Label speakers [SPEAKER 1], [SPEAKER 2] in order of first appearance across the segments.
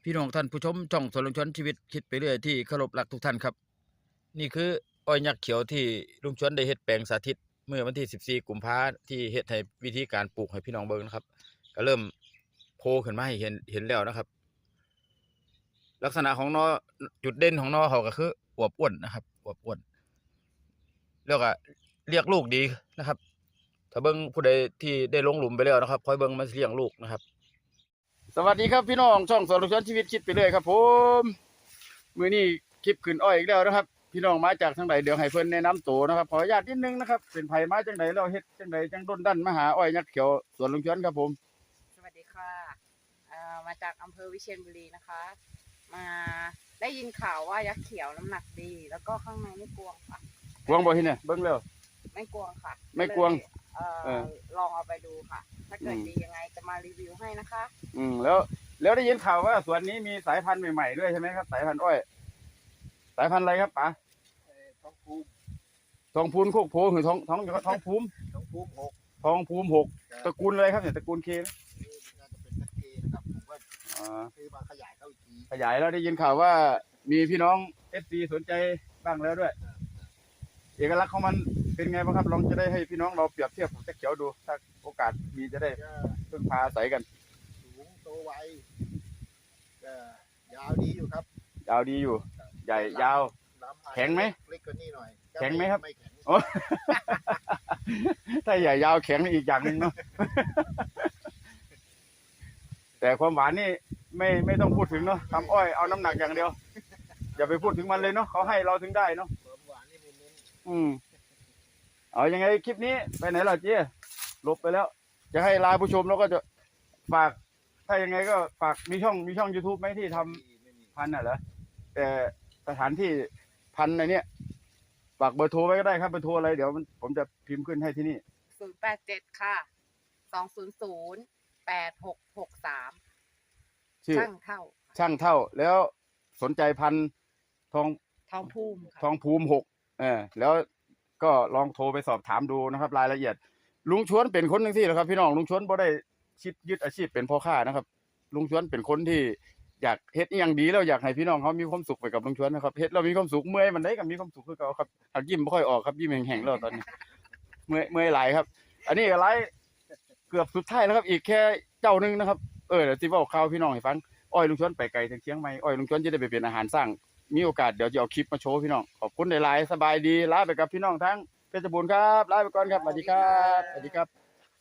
[SPEAKER 1] พี่น้องท่านผู้ชมช่องสวนลุงชวนชีวิตคิดไปเรื่อยที่เคารพรักทุกท่านครับนี่คืออ้อยยักษ์เขียวที่ลุงชวนได้เฮ็ดแปลงสาธิตเมื่อวันที่14กุมภาพันธ์ที่เฮ็ดให้วิธีการปลูกให้พี่น้องเบิ่งนะครับก็เริ่มโผล่ขึ้นมาให้เห็นแล้วนะครับลักษณะของนอจุดเด่นของนอเขาก็คืออวบอ้วนนะครับอวบอ้วนแล้วก็เรียกลูกดีนะครับถ้าเบิ่งผู้ใดที่ได้ลงหลุมไปแล้วนะครับคอยเบิ่งมันเลี้ยงลูกนะครับสวัสดีครับพี่น้องช่องสวนลุงชวนชีวิตคิดไปเรื่อยครับผมมื้อนี้คลิปขึ้นอ้อยอีกแล้วนะครับพี่น้องมาจากทางใดเดี๋ยวให้เพิ่นแนะนำตัวนะครับขออนุญาตนิดนึงนะครับเป็นไผมาจังใดแล้วเฮ็ดจังใดจังด้นดันมาหาอ้อยยักษ์เขียวสวนลุงชวนครับผม
[SPEAKER 2] สวัสดีค่ะมาจากอำเภอวิเชียรบุรีนะคะมาได้ยินข่าวว่ายักษ์เขียวน้ำหนักดี แล้วก็ข้างในไม่กวงค่ะ
[SPEAKER 1] กวงบ่ที่เนี่ยเบิ่งแล้ว
[SPEAKER 2] ไม่กวงค่ะ
[SPEAKER 1] ไม่กวง
[SPEAKER 2] ลองเอาไปดูค่ะถ้าเกิดดียังไงจะมารีวิวให้นะคะ
[SPEAKER 1] แล้วได้ยินข่าวว่าสวนนี้มีสายพันธุ์ใหม่ๆด้วยใช่ไหมครับสายพันธุ์อ้อยสายพันธุ์อะไรครับป๋า
[SPEAKER 3] ทองภูมิ
[SPEAKER 1] โคกโพหรือทองภูมิทองภูมิหกตระกูลอะไรครับเนี่ยตระกูลเค
[SPEAKER 3] น่าจะเป็นตะเกียนะครับผมก็ซื้อมาขยายเข้าอีกที
[SPEAKER 1] ขยายแล้วได้ยินข่าวว่ามีพี่น้อง FC สนใจบ้างแล้วด้วยเอกลักษณ์ของมันเป็นไงบ้างครับลองจะได้ให้พี่น้องเราเปรียบเทียบกับยักษ์เขียวดูถ้าโอกาสมีจะได้พึ่งพาอาศัยกัน
[SPEAKER 3] สูงโตไวยาวดีอยู่ครับ
[SPEAKER 1] ยาวดีอยู่ใหญ่ยาวแข็งไหม
[SPEAKER 3] เล็กกว่านี้หน่อย
[SPEAKER 1] แข็งไหมครับ
[SPEAKER 3] ไม่แข็ง
[SPEAKER 1] ถ้าใหญ่ยาวแข็งอีกอย่างหนึ่งเนาะแต่ความหวานนี่ไม่ต้องพูดถึงเนาะทำอ้อยเอาน้ำหนักอย่างเดียวอย่าไปพูดถึงมันเลยเนาะเขาให้เราถึงได้เนาะ
[SPEAKER 3] หวานนี่เน้
[SPEAKER 1] นเอายังไงคลิปนี้ไปไหนล่ะเจ๊ลบไปแล้วจะให้ลาผู้ชมแล้วก็จะฝากถ้ายังไงก็ฝากมีช่อง YouTube ไหมที่ทำพันธุ์เหรอแต่สถานที่พันธุ์ในเนี้ยฝากเบอร์โทรไว้ก็ได้ครับเบอร์โทรอะไรเดี๋ยวผมจะพิมพ์ขึ้นให้ที่นี่
[SPEAKER 2] 087ค่ะ2008663
[SPEAKER 1] ชื่อ
[SPEAKER 2] ช่างเท่า
[SPEAKER 1] แล้วสนใจพันธุ์ทองภูมิ6แล้วก็ลองโทรไปสอบถามดูนะครับรายละเอียดลุงชวนเป็นคนหนึ่งที่นะครับพี่น้องลุงชวนบ่ได้คิดยึดอาชีพเป็นพ่อค้านะครับลุงชวนเป็นคนที่อยากเฮ็ดอย่างดีแล้วอยากให้พี่น้องเขามีความสุขไปกับลุงชวนนะครับเฮ็ดเรามีความสุขเมื่อยมันได้ก็มีความสุขคือเก่าครับหากยิ้มไม่ค่อยออกครับยิ้มแห้งๆแล้วตอนนี้เมื่อยหลายครับอันนี้ก็หลายเกือบสุดท้ายแล้วครับอีกแค่เจ้านึงนะครับเดี๋ยวสิเว้าข่าวพี่น้องให้ฟังอ้อยลุงชวนไปไกลถึงเชียงใหม่อ้อยลุงชวนจะได้ไปเป็นอาหารสร้างมีโอกาสเดี๋ยวจะเอาคลิปมาโชว์พี่น้องขอบคุณหลายๆสบายดีลาไปกับพี่น้องทั้งเพชรบูรณ์ครับลาไปก่อนครับสวัสดีครับสวัสดีครับ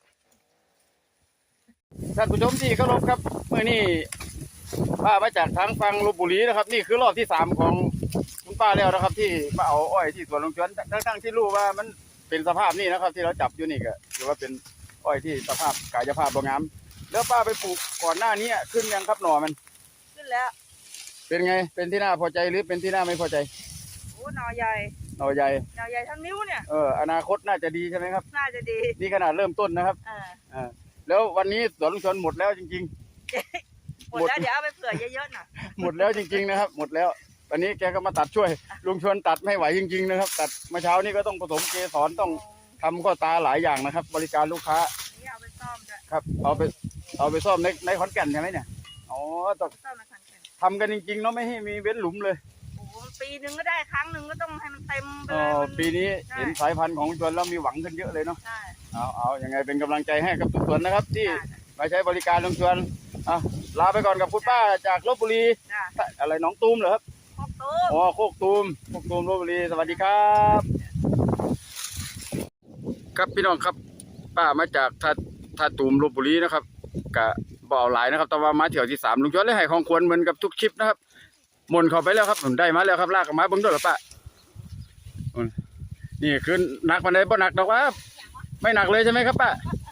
[SPEAKER 1] ท่านผู้ชมที่เคารพครับเมื่อนี้ป้ามาจากทางฝั่งลพบุรีนะครับนี่คือรอบที่3ของคุณป้าแล้วนะครับที่มาเอาอ้อยที่สวนลุงชวนทั้งที่รู้ว่ามันเป็นสภาพนี่นะครับที่เราจับอยู่นี่ก็ถือว่าเป็นอ้อยที่สภาพกายภาพบ่งามแล้วป้าไปปลูกก่อนหน้านี้ขึ้นยังครับหน่อมัน
[SPEAKER 2] ขึ้นแล้ว
[SPEAKER 1] เป็นไงเป็นที่น่าพอใจหรือเป็นที่น่าไม่พอใจ
[SPEAKER 2] โอ้หน่อใหญ่ทั้งนิ้วเนี่ย
[SPEAKER 1] อนาคตน่าจะดีใช่ไหมครับ
[SPEAKER 2] น่าจะดี
[SPEAKER 1] นี่ขนาดเริ่มต้นนะครับแล้ววันนี้สวนลุงชวนหมดแล้วจริง
[SPEAKER 2] ๆหมดแล้วเดี๋ยวเอาไปเผื่อเยอะๆหน่อย
[SPEAKER 1] หมดแล้วจริงๆนะครับหมดแล้ววันนี้แกก็มาตัดช่วยลุงชวนตัดไม่ไหวจริงๆนะครับตัดเมื่อเช้านี้ก็ต้องผสมเกสรต้องทำข้อตาหลายอย่างนะครับบริการลูกค้า
[SPEAKER 2] นี่เอาไปซ่อมด้วย
[SPEAKER 1] ครับเอาไปซ่อมในขอนแก่นใช่ไหมเนี่ยอ๋อต้องทำกันจริงๆเนาะไม่ให้มีเว้นหลุมเลย
[SPEAKER 2] ปีนึงก็ได้ครั้งนึงก็ต้องให้มันเต็มไปเลย
[SPEAKER 1] ปีนี้เห็นสายพันธุ์ของลุงชวนแล้วมีหวังขึ้นเยอะเลยเนาะเอายังไงเป็นกำลังใจให้กับทุกส่วนนะครับที่มาใช้บริการลุงชวนลาไปก่อนกับคุณป้าจากลพบุรีอะไรน้องตูมเหรอครับโคกตูมลพบุรีสวัสดีครับครับพี่น้องครับป้ามาจากท่าตูมลพบุรีนะครับกะบ่าวหลายนะครับแต่ว่ามาเที่ยวที่3ลุงชวนเลยให้ของควรเหมือนกับทุกคลิปนะครับหม่นเข้าไปแล้วครับผมได้มาแล้วครับลากมาเบิ้งด้วยหรอป้านี่คือหนักมันได้บ่หนักดอกว่าไม่หนักเลยใช่ไหมครับป้า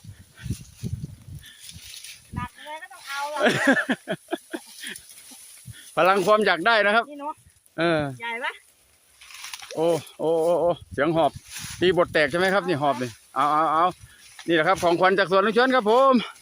[SPEAKER 2] หนักเลยก็ต้องเอา
[SPEAKER 1] พลังความอยากได้นะครับ
[SPEAKER 2] ใหญ่ไหม
[SPEAKER 1] โอ้เสียงหอบตีบทแตกใช่ไหมครับนี่หอบเลยเอานี่แหละครับของขวัญจากสวนลุงชวนครับผม